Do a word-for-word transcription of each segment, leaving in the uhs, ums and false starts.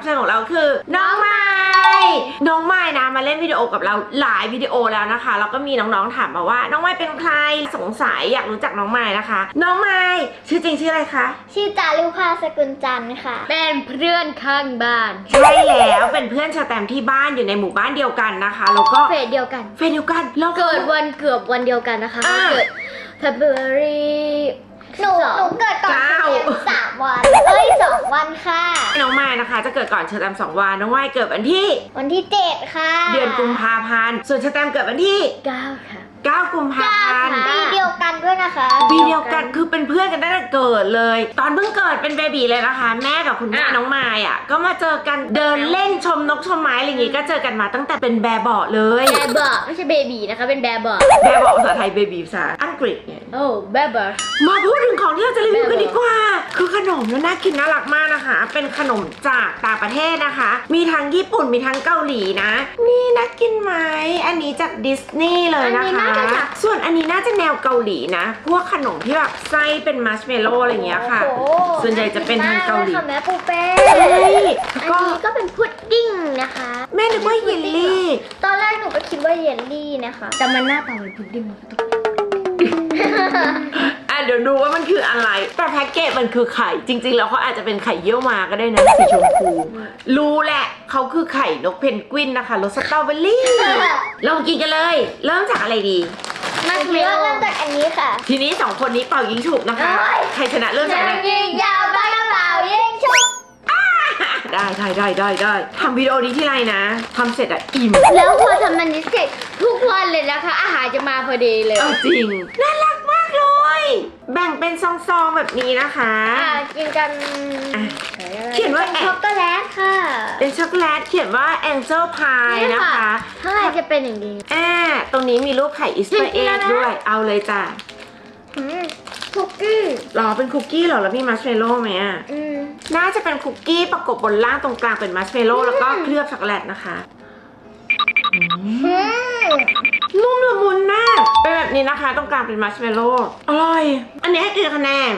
เชิญของเราคือน้องไม้น้องไม้นะมาเล่นวิดีโอกับเราหลายวิดีโอแล้วนะคะแล้วก็มีน้องๆถามมาว่าน้องไม้เป็นใครสงสัยอยากรู้จักน้องไม้นะคะน้องไม้ชื่อจริงชื่ออะไรคะชื่อจารุภาสกุลจันทร์ค่ะเป็นเพื่อนข้างบ้านใช่แล้วเป็นเพื่อนชาแตมที่บ้านอยู่ในหมู่บ้านเดียวกันนะคะแล้วก็เฟสเดียวกันเฟสเดียวกันเราเกิดวันเกือบวันเดียวกันนะคะเกิด February หนูหนูเกิดก่อนสามวันเอ้ยสองวันค่ะน้องไม้นะคะจะเกิดก่อนชาแตมสองวันน้องไม้เกิดวันที่วันที่เจ็ดค่ะเดือนกุมภาพันธ์ส่วนชาแตมเกิดวันที่เก้าค่ะเก้ากุมภาพันธ์ปีเดียวกันด้วยนะคะปีเดียวกันคือเป็นเพื่อนกันตั้งแต่เกิดเลยตอนเพิ่งเกิดเป็นเบบีเลยนะคะแม่กับคุณแม่น้องไม้อ่ะก็มาเจอกันเดินเล่นชมนกชมไม้อะไรอย่างงี้ก็เจอกันมาตั้งแต่เป็นแบเบาะเลยแบเบาะไม่ใช่เบบีนะคะเป็นแบเบาะแบเบาะภาษาไทยเบบีภาษาอังกฤษเนี่ยโอ้แบเบาะมาพูดถึงของที่เราจะรีวิวกันดีกว่าคือขนมน่ากินน่ารักมากนะคะเป็นขนมจากต่างประเทศนะคะมีทั้งญี่ปุ่นมีทั้งเกาหลีนะนี่น่ากินไหมอันนี้จากดิสนีย์เลยนะคะส่วนอันนี้น่าจะแนวเกาหลีนะพวกขนมที่แบบไส้เป็นมัชเมลโล่อะไรอย่างเงี้ยค่ะส่วนใหญ่จะเป็นทางเกาหลีแม่ปูเป้ก็อันนี้ก็เป็นพุดดิ้งนะคะแม่นึกว่าเยลลี่ตอนแรกหนูก็คิดว่าเยลลี่นะคะแต่มันหน้าตาเหมือนพุดดิ้งมันก็ต้องอ่ะเดี๋ยวดูว่ามันคืออะไรแต่แพ็กเกจมันคือไข่จริงๆแล้วเขาอาจจะเป็นไข่เยี่ยวมาก็ได้นะสีชมพูรู้แหละเขาคือไข่นกเพนกวินนะคะรสสตรอเบอรี่เรากินกันเลยเริ่มจากอะไรดีมาเริ่มเริ่มจากอันนี้ค่ะทีนี้สองคนนี้เป่ายิงฉุบนะคะใครชนะเริ่มจากอะไรยิงยาวไปเปล่ายิงฉุบได้ได้ได้ได้ได้ทำวิดีโอนี้ที่ไรนะทำเสร็จอะอิ่มแล้วพอทำมันนี้เสร็จทุกวันเลยนะคะอาหารจะมาพอดีเลยจริงน่ารักมากเลยแบ่งเป็นซองๆแบบนี้นะคะอ่ากินกันเขียนว่าช็อกโกแลตค่ะเป็นช็อกโกแลตเขียนว่า Angel Pie นะคะข้างในจะเป็นอย่างนี้อ่าตรงนี้มีรูปไข่อิสต์เอ็กด้วยเอาเลยจ้ะคุกกี้หรอเป็นคุกกี้หรอแล้วมีมัชเมลโล่ไหมอ่ะน่าจะเป็นคุกกี้ประกบบนล่างตรงกลางเป็นมัชเมลโล่แล้วก็เคลือบช็อกโกแลตนะคะนุ่มละมุนมากเป็นแบบนี้นะคะตรงกลางเป็นมัชเมลโล่อร่อยอันนี้ให้กี่คะแนน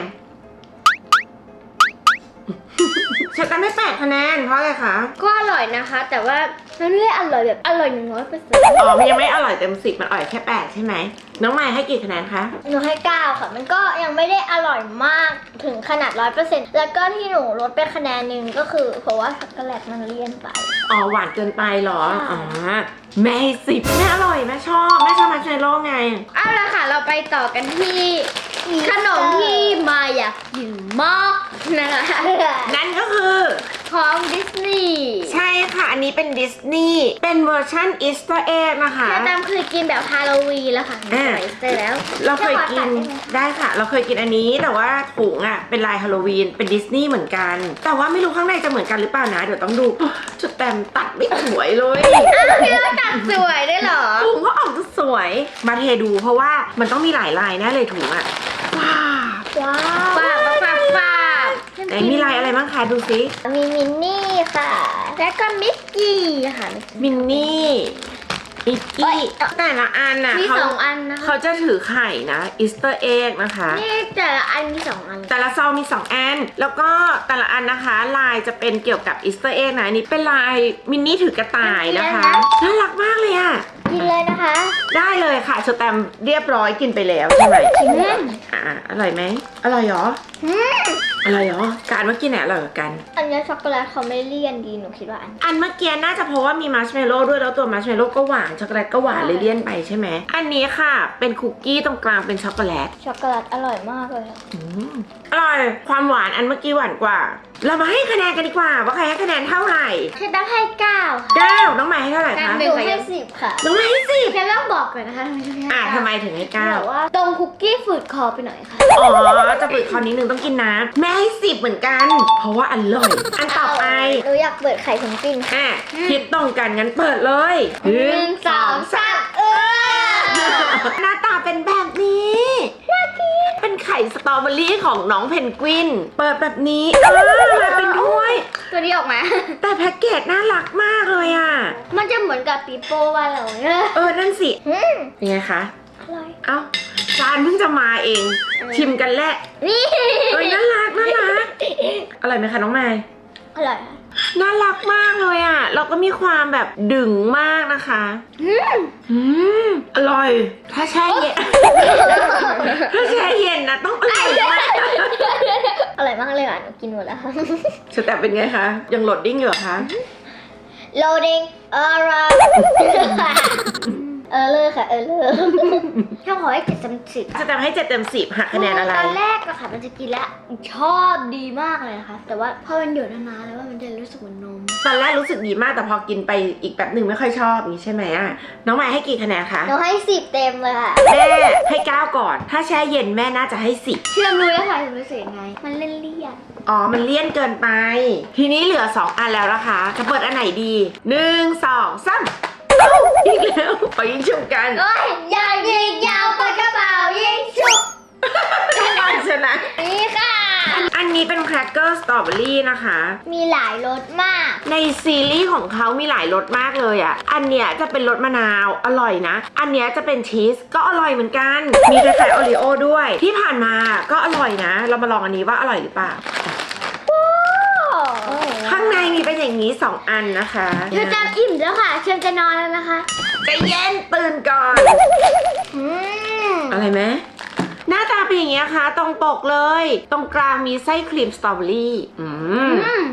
ฉันจะไม่แปดคะแนนเพราะอะไรคะก็อร่อยนะคะแต่ว่ามันไม่ได้อร่อยแบบอร่อยหนึ่งร้อยเปอร์เซ็นต์อ๋อมันยังไม่อร่อยเต็มสิบมันอร่อยแค่แปดใช่ไหมน้องไม้ให้กี่คะแนนคะหนูให้เก้าค่ะมันก็ยังไม่ได้อร่อยมากถึงขนาดร้อยเปอร์เซ็นต์แล้วก็ที่หนูลดไปคะแนนหนึ่งก็คือเพราะว่าช็อกโกแลตมันเลี่ยนไปอ๋อหวานเกินไปหรออ๋อแม่ให้สิบแม่อร่อยแม่ชอบแม่ชอบมัชเมลโล่ไงเอาละค่ะเราไปต่อกันที่ขนมที่มาอยากกินมากนะคะนั่นก็คือของดิสนีย์ใช่ค่ะอันนี้เป็นดิสนีย์เป็นเวอร์ชันอีสเตอร์เอ็กนะคะแต่ตามเคยกินแบบฮาโลวีนแล้วค่ะใส่เสร็จแล้วเราเคยกินได้ค่ะเราเคยกินอันนี้แต่ว่าถุงอ่ะเป็นลายฮาโลวีนเป็นดิสนีย์เหมือนกันแต่ว่าไม่รู้ข้างในจะเหมือนกันหรือเปล่านะเดี๋ยวต้องดูจุดแต้มตัดไม่สวยเลยอ้าวพี่ว่าตัดสวยได้หรอถุงก็ออกจะสวยมาเทดูเพราะว่ามันต้องมีหลายลายแน่เลยถุงอ่ะว้าวว้าวป้าป้าป้าไหนมีลายอะไรบ้างคะดูสิมีมินนี่ค่ะแล้วก็มิกกี้ค่ะมินนี่มิกกี้แต่ละอันน่ะมีสองอันนะคะเขาจะถือไข่นะอีสเตอร์เอ็กนะคะนี่แต่ละอันมีสองอันแต่ละซองมีสองอันแล้วก็แต่ละอันนะคะลายจะเป็นเกี่ยวกับอีสเตอร์เอ็กนะอันนี้เป็นลายมินนี่ถือกระต่ายนะคะน่ารักมากเลยอ่ะกินเลยนะคะได้เลยค่ะสแตมเรียบร้อยกินไปแล้วใช่ไหมอ่าอร่อยไหมอร่อยเหรออร่อยเหรอการเมื่อกี้ไหนอร่อยกว่ากันอันนี้ช็อกโกแลตเขาไม่เลี่ยนดีหนูคิดว่าอันอันเมื่อกี้น่าจะเพราะว่ามีมัชเมลโล่ด้วยแล้วตัวมัชเมลโล่ก็หวานช็อกโกแลตก็หวานเลยเลี่ยนไปใช่ไหมอันนี้ค่ะเป็นคุกกี้ตรงกลางเป็นช็อกโกแลตช็อกโกแลตอร่อยมากเลยอร่อยความหวานอันเมื่อกี้หวานกว่าเรามาให้คะแนนกันดีกว่าว่าใครให้คะแนนเท่าไหร่ฉันต้องให้เก้าเก้าน้องใหม่ให้เท่าไหร่คะหนูให้สิบค่ะน้องใหม่ให้สิบแค่ต้องบอกก่อนนะคะอ่าทำไมถึงให้เก้าว่าตรงคุกกี้ฝืดคอไปหน่อยค่ะอ๋อจะฝืดคอนิดนึงต้องกินน้ำแม่ให้สิบเหมือนกันเพราะว่าอร่อยอันต่อไปหนูอยากเปิดไข่ของกินอ่ะคิดตรงกันงั้นเปิดเลยหนึ่งสองสามเออหน้าตาเป็นแบบนี้น่ากินเป็นไข่สตรอเบอรี่ของน้องเพนกวินเปิดแบบนี้เออมาเป็นถ้วยตัวนี้ออกมาแต่แพ็กเกจน่ารักมากเลยอ่ะมันจะเหมือนกับปีโป้ว่าเราเออนั่นสิเป็นไงคะอร่อยเอ้าจานเพิ่งจะมาเองชิมกันแหละนี่เอ้ยน่ารักน่ารักอร่อยไหมคะน้องไม้อร่อยน่ารักมากเลยอ่ะเราก็มีความแบบดึงมากนะคะอืมอร่อย ถ้าแช่เย็น ถ้าแช่เย็นนะต้องอร่อยมากอร่อยมากเลยอ่ะหนูกินหมดแล้วค่ะสแตมเป็นไงคะ ยังโหลดดิ้งอยู่เหรอคะ loading เออร์เออเลยค่ะเออเลยถ้าขอให้เจ็ดสามสิบสแตมให้เจ็ดเต็มสิบหักคะแนนอะไรตอนแรกอะค่ะมันจะกินแล้วชอบดีมากเลยนะคะแต่ว่าพอมันอยู่นานๆแล้วมันจะรู้สึกเหมือนนมตอนแรกรู้สึกดีมากแต่พอกินไปอีกแป๊บหนึ่งไม่ค่อยชอบอย่างนี้ใช่ไหมอ่ะน้องใหม่ให้กี่คะแนนคะหนูให้สิบเต็มเลยค่ะแม่ให้เก้าก่อน ถ้าแช่เย็นแม่น่าจะให้สิบเชื่อมรู้แล้วค่ะรู้สึกยังไง มันเล่นเลี่ยนอ๋อ มันเลี่ยนเกินไป ทีนี้เหลือสองอันแล้วนะคะ จะเปิดอันไหนดีหนึ่งสองสามเอ้าอีกแล้วไปยิงชุบกันเอ้ยยาวยิงยาวปากกระเป๋ายิงฉุบอันชนะนี่ค่ะอันนี้เป็นแครกเกอร์สตรอเบอรี่นะคะมีหลายรสมากในซีรีส์ของเขามีหลายรสมากเลยอ่ะ อันเนี้ยจะเป็นรสมะนาวอร่อยนะ อันเนี้ยจะเป็นชีสก็อร่อยเหมือนกัน มีคล้ายๆโอรีโอด้วย ที่ผ่านมาก็อร่อยนะ เรามาลองอันนี้ว่าอร่อยหรือเปล่า ข้างในมีเป็นอย่างนี้สองอันนะคะเธอจะอิ่มแล้วค่ะเชิญจะนอนแล้วนะคะใจเย็นตื่นก่อนอืมอะไรไหมหน้าตาเป็นอย่างเงี้ยค่ะ ตรงปกเลย ตรงกลางมีไส้ครีมสตรอเบอรี่อืมอืม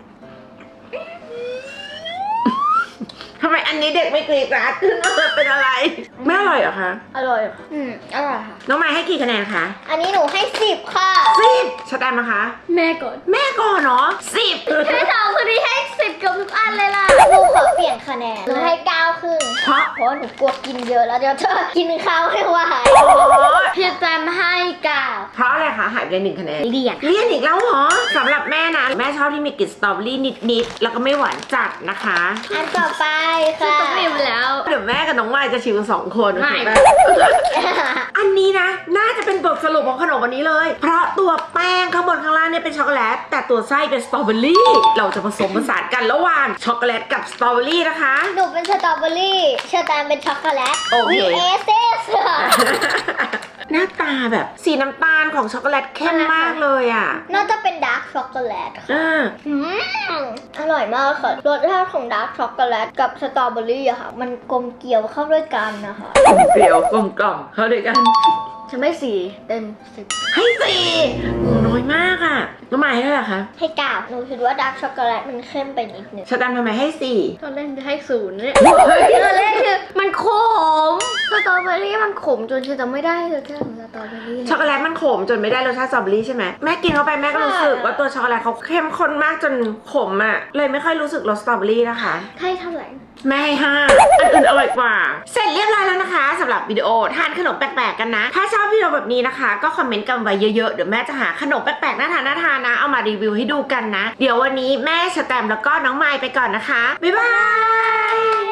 ทำไมอันนี้เด็กไม่กรีดกราดขึ้นมาเป็นอะไร ไม่อร่อยเหรอคะอร่อยอืมอร่อยค่ะน้องไม้ให้กี่คะแนนคะอันนี้หนูให้สิบค่ะสิบชะแตมนะคะแม่ก่อนแม่ก่อนเนาะสิบให้สองคนนี้ให้สิบกับทุกอันเลยล่ะหนูขอเปลี่ยนคะแนนหนูให้เก้าครึ่งเพราะเพราะว่าหนูกลัวกินเยอะแล้วเดี๋ยวเธอกินข้าวไม่ไหวอ๋อพี่แจมให้เก้าเพราะอะไรคะหายไปเลยหนึ่งคะแนนเลี่ยนเลี่ยนอีกแล้วเหรอสำหรับแม่นะแม่ชอบที่มีกลิ่นสตรอเบอรี่นิดๆแล้วก็ไม่หวานจัดนะคะอันต่อไปคือค่ะต้องเรียนไปแล้วเดี๋ยวแม่กับน้องไม้จะชิมสองคนไม่ถูกหอันนี้นะ น่าจะเป็นบทสรุปของขนมวันนี้เลย เพราะตัวแป้งข้างบนข้างล่างเนี่ยเป็นช็อกโกแลตแต่ตัวไส้เป็นสตรอเบอรี่เราจะผสมผสานกันระหว่างช็อกโกแลตกับสตรอเบอรี่นะคะหนูเป็นสตรอเบอรี่เชอร์แตมเป็นช็อกโกแลตโอเควีเอสเอสหน้าตาแบบสีน้ำตาลของช็อกโกแลตเข้มมากเลยอ่ะน่าจะเป็นดาร์กช็อกโกแลตค่ะอ่าอืมอร่อยมากค่ะรสชาติของดาร์กช็อกโกแลตกับสตรอเบอรี่อะค่ะ มันกลมเกลี่ยวเข้าด้วยกันนะคะเปรี้ยวกลมกล่อมเข้าด้วยกันฉันไม่สี่เต็มสิบให้สี่โอ้น้อยมากอ่ะน้องไม้ให้เท่าไหร่คะให้กาวหนูคิดว่าดาร์กช็อกโกแลตมันเข้มไปนิดนึงชาแตมทำไมให้สี่ตอนแรกจะให้ศูนย์เนี่ยเฮ้ยตอนแรกคือมันขมสตรอเบอรี่มันขมจนฉันจะไม่ได้เลยแค่ของสตรอเบอรี่ช็อกโกแลตมันขมจนไม่ได้รสชาติสตรอเบอรี่ใช่ไหมแม่กินเข้าไปแม่ก็รู้สึกว่าตัวช็อกโกแลตเขาเข้มข้นมากจนขมอ่ะเลยไม่ค่อยรู้สึกรสสตรอเบอรี่นะคะให้เท่าไหร่แม่ให้ห้าอันอื่นอร่อยกว่า เสร็จเรียบร้อยแล้วนะคะสำหรับวิดีโอทานขนมแปลกๆกันนะ ถ้าชอบวิดีโอแบบนี้นะคะ ก็คอมเมนต์กันไว้เยอะๆเดี๋ยวแม่จะหาขนมแปลกๆน่าทานน่าทานนะเอามารีวิวให้ดูกันนะ เดี๋ยววันนี้แม่สแตมป์แล้วก็น้องไมค์ไปก่อนนะคะบ๊ายบาย